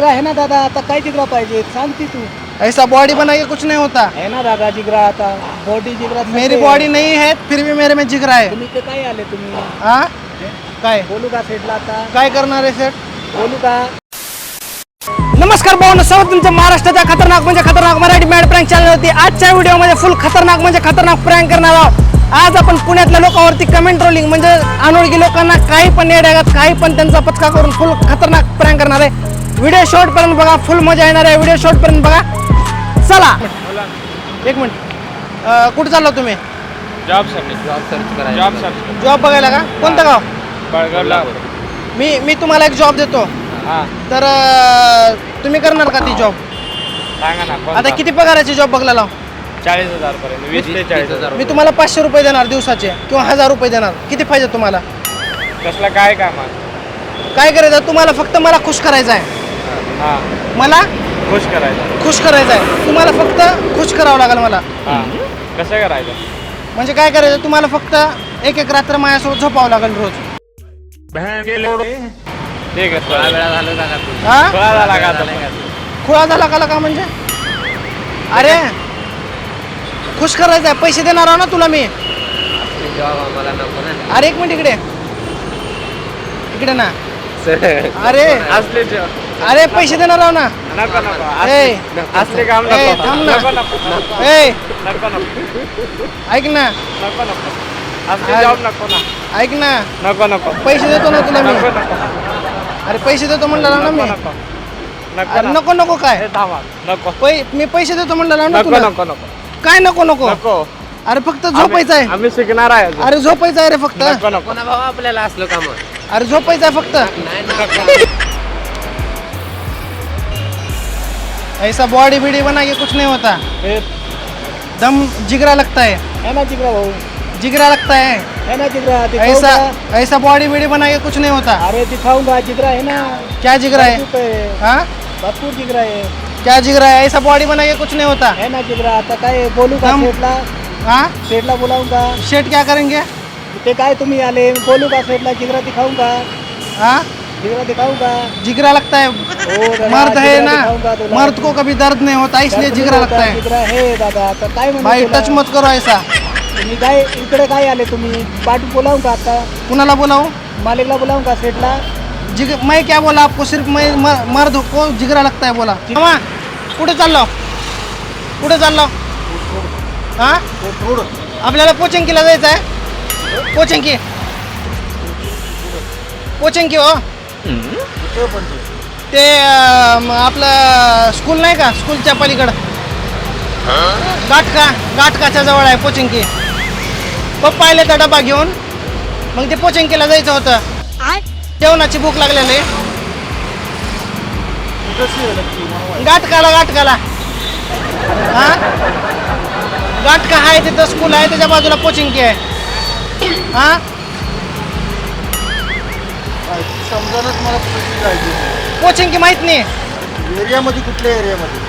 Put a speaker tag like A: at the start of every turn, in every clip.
A: जिगरा है ना दादा, आता काय जिगरा पाहिजे सांगती तू.
B: ऐसा बॉडी बना के कुछ नहीं होता.
A: है ना दादा जिगरा, आता बॉडी जिगरा.
B: मेरी बॉडी नहीं है फिर भी मेरे में जिगरा है.
A: तुम्ही ते काय आले तुम्ही?
B: हाँ काय
A: बोलू का सेटला आता?
B: काय करणार आहे सेट?
A: बोलू का?
B: नमस्कार भाऊ, सर्व तुमचं महाराष्ट्राच्या खतरनाक म्हणजे खतरनाक मराठी मॅड प्रँक चॅनल होती. आजच्या व्हिडिओमध्ये फुल खतरनाक म्हणजे खतरनाक प्रँक करणार आहोत. आज आपण पुण्यातल्या लोकांवरती कमेंट ट्रोलिंग म्हणजे अनोळखी लोकांना काही पण येड्यागात काही पण त्यांचा पचका करून फुल खतरनाक प्रँक करणार आहे. व्हिडिओ शॉर्ट पर्यंत बघा, फुल मजा येणार आहे. व्हिडिओ शॉर्ट पर्यंत बघा. चला एक मिनिट, कुठे चाललो तुम्ही?
C: जॉब सर्च करायला.
B: जॉब बघायला का? कोणतं गाव?
C: बळगावला.
B: मी तुम्हाला एक जॉब देतो,
C: हां
B: तर तुम्ही करणार का ती जॉब?
C: सांगा ना.
B: आता किती पगाराची जॉब बघायला लाव?
C: 40,000 पर्यंत. 20 ते 40,000.
B: मी तुम्हाला 500 रुपये देणार दिवसाचे किंवा 1000 रुपये देणार. किती पाहिजे तुम्हाला?
C: कसला काय काम आहे?
B: काय करायचं तुम्हाला? फक्त मला खुश करायचं आहे.
C: हां
B: मला
C: खुश करायचं.
B: खुश करायचं आहे. तुम्हाला फक्त खुश करावं लागेल मला.
C: हां कसं करायचं?
B: म्हणजे काय करायचं तुम्हाला? फक्त एक एक रात्र माझ्यासोबत झोपावं लागेल रोज.
C: ठीक आहे. थोडा वेळा झालं का तू?
B: हा
C: थोडा झाला का आता?
B: खुळा झाला का म्हणजे? अरे खुश करायचं आहे. पैसे देणार आहो ना तुला मी.
C: जॉब आम्हाला नको ना.
B: अरे एक मिनिट इकडे ना. अरे
C: असले जॉब
B: अरे पैसे देणार आहो ना.
C: नको नको.
B: ए,
C: असले काम
B: ए,
C: नको.
B: थांब ना.
C: नको नको.
B: ए
C: नको नको.
B: ऐक ना,
C: नको नको. असले जॉब नको ना.
B: ऐक ना,
C: नको नको.
B: पैसे देतो ना तुला मी.
C: नको नको.
B: अरे पैसे देतो म्हणलं ना मी.
C: नको नको.
B: अरे नको नको काय?
C: हे थांबा. नको
B: मी पैसे देतो म्हणलं ना
C: नको
B: तुला.
C: नको नको
B: काय नको नको?
C: नको.
B: अरे फक्त झोपायचं आहे.
C: आम्ही शिकणार आहे अजून.
B: अरे झोपायचं आहे रे फक्त.
C: नको नको. भाऊ आपल्याला असलं काम.
B: अरे झोपायचं आहे फक्त. ऐसा बॉडी बीडी बना के कुछ नहीं होता. दम जिगरा लगता है.
A: है ना जिगरा भाऊ,
B: जिगरा लगता है.
A: है ना जिगरा.
B: ऐसा बॉडी बीडी बना के कुछ नहीं होता.
A: अरे दिखाऊंगा जिगरा है ना.
B: क्या जिगरा है? हाँ
A: भरपूर जिगरा आहे.
B: क्या जिगरा है? ऐसा बॉडी बना के कुछ नहीं होता.
A: है ना जिगरा. आता काय बोलू का
B: हम-
A: सेटला?
B: हाँ
A: सेटला बोलाऊंगा.
B: शेट क्या करेंगे?
A: ते काय तुम्ही आले? बोलू का सेटला? जिगरा दिखाऊंगा.
B: हाँ
A: जिगरा दिखाऊंगा.
B: जिगरा लगता है.
A: हो दादा,
B: मर्द है
A: जिगरा
B: ना,
A: दिखाऊंगा तुला.
B: मर्द को कभी दर्द नहीं होता इसलिए
A: दर्द
B: जिगरा
A: नाही
B: लगता
A: होता,
B: है.
A: जिगरा है दादा. आता काय म्हणू
B: भाई
A: तुला?
B: टच मत करो ऐसा.
A: तुम्ही काय इकडे काय आले तुम्ही? पाठी बोलावूं का आता?
B: कुणाला बोलाऊं?
A: मालिकला बोलावूं का सेटला?
B: मैं क्या बोला आपको? सिर्फ मैं मर्द को जिगरा लगता है बोला. मामा कुठे चाललो? कुठे चाललो? हाँ आपल्याला पोचंकीला जायचं आहे. पोचंकी पोचंकी हो. ते आपलं स्कूल नाही का, स्कूलच्या पलीकडं गाठकाच्या जवळ आहे पोचंकी. पप्पा आले तर डबा घेऊन, मग ते पोचंकीला जायचं होतं. जेवणाची भूक लागलेली. गाठकाला हा गाठका आहे तिथं स्कूल आहे, त्याच्या बाजूला पोचंकी आहे. हा
D: समजानच मला कुठे जायचं.
B: पोचंकी माहित नाही.
D: एरियामध्ये कुठल्या एरियामध्ये?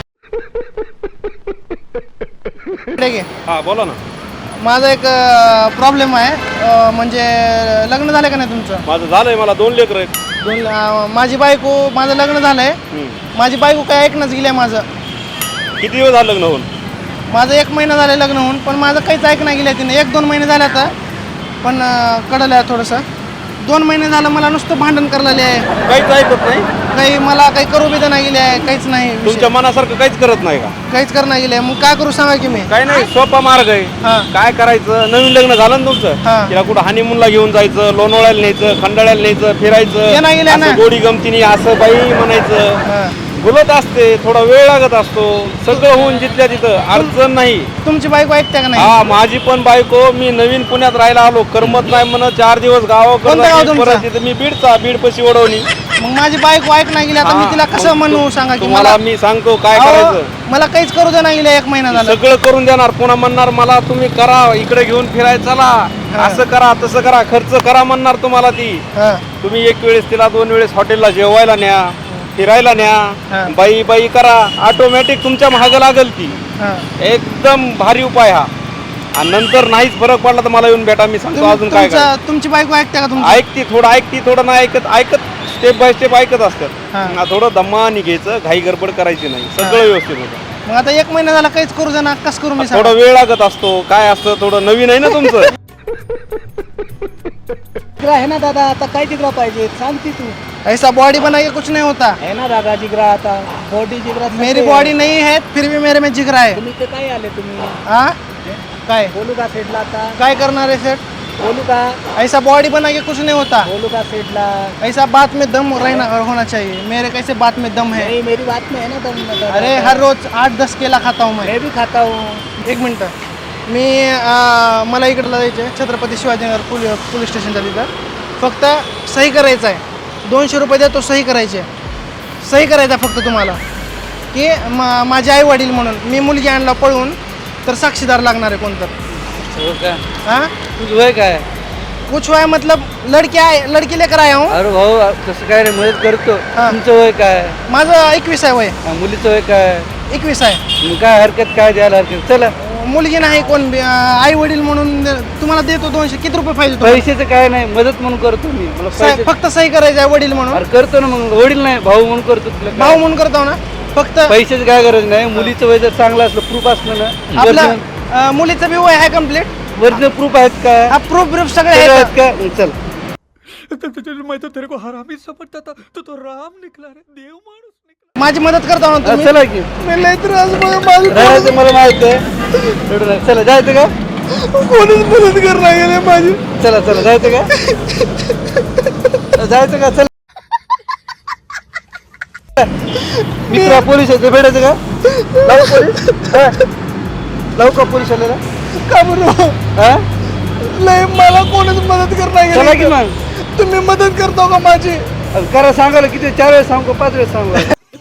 B: इकडे घे.
C: हा बोला ना.
B: माझा एक प्रॉब्लेम आहे. म्हणजे लग्न झालं का नाही तुमचं?
C: माझं झालंय. मला 2 लेकरं आहेत.
B: माझी बायको, माझं लग्न झालंय. माझी बायको काय ऐकणंच गेली आहे माझं.
C: किती दिवस झालं लग्न होऊन?
B: माझं 1 महिना झालं लग्न होऊन, पण माझं काहीच ऐकणं गेलं तिने. 1-2 महिने झाले आता, पण कळलं आहे थोडंसं. 2 महिने झालं मला नुसतं भांडण करायला आहे.
C: काहीच ऐकत नाही.
B: काही मला काही करू बी नाही गेले आहे. काहीच नाही.
C: तुमच्या मनासारखं काहीच करत नाही का?
B: काहीच करणं गेले. मग काय करू सांगा की मी?
C: काही नाही, सोपा मार्ग आहे.
B: हां
C: काय करायचं? नवीन लग्न झालं ना तुमचं,
B: हां.
C: तिला कुठं हनीमूनला घेऊन जायचं, लोणावळ्याला न्यायचं, खंडाळ्याला न्यायचं,
B: ते
C: फिरायचं,
B: नाही गेलं ना.
C: असं गोडी गमतीने असं बाई म्हणायचं.
B: हां.
C: बोलत असते, थोडा वेळ लागत असतो. सगळं होऊन जिथल्या तिथं अडचण नाही.
B: तुमची बायको ऐकते का नाही?
C: हा माझी पण बायको. मी नवीन पुण्यात राहायला आलो, करमत नाही म्हणत 4 दिवस
B: कोणतं गाव
C: गावाकडे,
B: तुमचं?
C: परत तिथं मी बीड पशी ओढवली.
B: मग माझी बायको ऐकणं गेली. आता मी
C: हां,
B: तिला कसं
C: मग
B: म्हणू सांगा की?
C: तुम्हाला मी सांगतो काय
B: अहो,
C: करायचं.
B: मला काहीच करू दे नाही गेले. 1 महिना झाला.
C: सगळं करून देणार. पुन्हा म्हणणार मला तुम्ही करा, इकडे घेऊन फिरायला चला, असं करा तसं करा, खर्च करा म्हणणार तुम्हाला ती.
B: हां
C: तुम्ही 1 वेळेस तिला 2 वेळेस हॉटेलला जेवायला न्या, फिरायला न्या,
B: हां.
C: बाई करा, ऑटोमॅटिक तुमच्या महाग लागल ती.
B: हां.
C: एकदम भारी उपाय हा. आणि नंतर नाहीच फरक पडला तर मला येऊन भेटा, मी सांगतो अजून काय करा.
B: तुमची बायको ऐकते का तुमची?
C: ऐकती थोडं नाही ऐकत स्टेप बाय स्टेप ऐकत
B: हा.
C: असतात थोडं दमानी घ्यायचं, घाई गडबड करायची नाही, सगळं व्यवस्थित होतं.
B: मग आता 1 महिना झाला काहीच करू दे ना, कस करू मी
C: थोडा वेळ लागत असतो, काय असतं थोडं नवीन आहे ना तुमचं.
A: जिगरा है ना दादा, आता काय जिगरा पाहिजे सांगती तू.
B: ऐसा बॉडी बना के कुछ नहीं होता.
A: है ना दादा जिगरा, आता बॉडी जिगरा.
B: मेरी बॉडी नहीं है फिर भी मेरे में जिगरा है.
A: तुम्ही ते काय आले तुम्ही.
B: हा काय
A: बोलू का सेटला आता,
B: काय करणार है सेट.
A: बोलू का,
B: ऐसा बॉडी बना के कुछ नहीं होता.
A: बोलू का सेटला.
B: ऐसा बात में दम रहना होना चाहिए. मेरे कैसे बात में दम है.
A: नहीं मेरी बात में है ना दम दादा.
B: अरे हर रोज 8-10 केला खाता हूँ
A: मैं भी खाता हूँ.
B: 1 मिनटं मी मला इकडला जायचं आहे छत्रपती शिवाजीनगर पोलीस स्टेशनच्या तिथं. फक्त सही करायचं आहे. 200 रुपये देतो, सही करायची आहे. सही करायचं आहे फक्त तुम्हाला की माझे आई वडील म्हणून. मी मुलगी आणला पळून तर साक्षीदार लागणार आहे कोणतं. हाँ
E: तुझं वय काय.
B: कुछ हुआ है मतलब लड़की लेकर आया हूँ.
E: अरे भाऊ कसं काय रे, मदत करतो.
B: हा.
E: तुमचं वय काय.
B: माझं 21 आहे वय.
E: मुलीचं वय काय.
B: 21 आहे.
E: मग काय हरकत, काय द्यायला हरकत. चला
B: मुलगी नाही कोण आई वडील म्हणून तुम्हाला देतो 200. किती रुपये पाहिजे तुम्हाला?
E: पैशाचं काय नाही, मदत म्हणून करतो मी. मला पैसे
B: फक्त सही करायचं आहे वडील म्हणून.
E: अरे करतो ना, मग वडील नाही भाऊ म्हणून करतो. तुला काय?
B: भाऊ म्हणून करतो ना फक्त.
E: पैशाची काय गरज नाही. मुलीचं वय जर चांगलं असलं, प्रूफ असलं ना.
B: आपलं मुलीचं बी वय आहे कम्प्लीट.
E: वरचं प्रूफ आहेत का.
B: हा प्रूफ सगळे
E: सगळे
B: आहेत.
E: आहेत का. मग चल.
B: माझी मदत करता ना
E: हा,
B: तुम्ही.
E: चला की.
B: मी लय त्रास माझं
E: राहायचं मला माहित आहे. रडू नका. चला जायचं का.
B: कोणीच मदत करणार गेले माझी.
E: चला चला जायचं का. जायचं का. चल मित्रा पोलीस आहे, भेटायचं का. लावू पोलीस. हा? लावू का पोलीस आलेला.
B: का बरं
E: हा
B: लय मला कोणीच मदत करणार
E: चला की
B: गेले.
E: मग.
B: तुम्ही मदत करतो का माझी.
E: करा सांगायला किती 4 वेळेस सांगू का 5 वेळेस सांगू.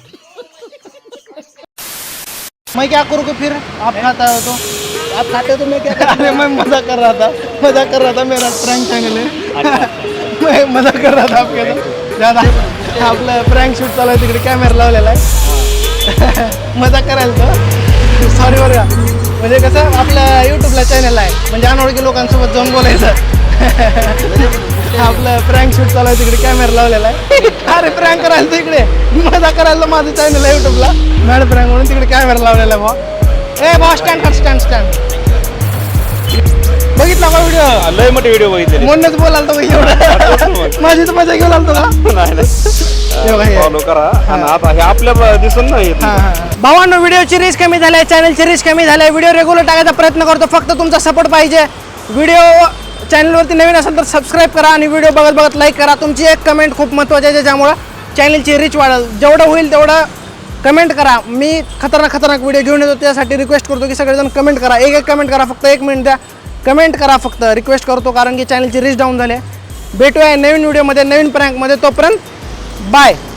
B: मैं क्या करूँ कि फिर आप खाता हो तो.
A: आप खाते हो तो मैं क्या
B: अरे मैं मजाक कर रहा था मेरा प्रैंक चैनल है. मैं मजाक कर रहा था आपके तो ज़्यादा. आपलं प्रँक शूट चालू आहे तिकडे कॅमेरा लावलेला आहे. मजाक करायला तो सॉरी बरं का. म्हणजे कसं आपल्या यूट्यूबला चॅनल आहे म्हणजे अनोळखी लोकांसोबत जाऊन बोलायचं. आपलं प्रँक शूट चालू आहे तिकडे कॅमेरा लावलेला आहे. अरे प्रँक करायला तर इकडे मजाक करायला माझं चॅनल आहे यूट्यूबला मॅड प्रँक म्हणून तिकडे कॅमेरा लावलेला आहे भाऊ. ए भाऊ स्टँड स्टँड बघितला का व्हिडिओ.
C: लय मोठे व्हिडिओ बघितले.
B: म्हणूनच बोलाल तो एवढं. माझी तर मजा घेऊन आलतो का.
C: फॉलो करा. आणि आता हे आपल्या दिसून नाही.
B: भावांनो व्हिडिओची रीच कमी झाली, चॅनलची रीच कमी झाली. व्हिडिओ रेग्युलर टाकायचा प्रयत्न करतो, फक्त तुमचा सपोर्ट पाहिजे. व्हिडिओ चॅनलवरती नवीन असेल तर सबस्क्राईब करा आणि व्हिडिओ बघत लाईक करा. तुमची एक कमेंट खूप महत्त्वाची आहे ज्यामुळं चॅनलची रीच वाढेल. जेवढं होईल तेवढं कमेंट करा. मी खतरनाक व्हिडिओ घेऊन येतो त्यासाठी रिक्वेस्ट करतो की सगळेजण कमेंट करा. एक कमेंट करा, फक्त 1 मिनिट द्या. कमेंट करा फक्त, रिक्वेस्ट करतो कारण की चॅनलची रीच डाऊन झाली. भेटूया नवीन व्हिडिओमध्ये नवीन प्रँकमध्ये. तोपर्यंत बाय.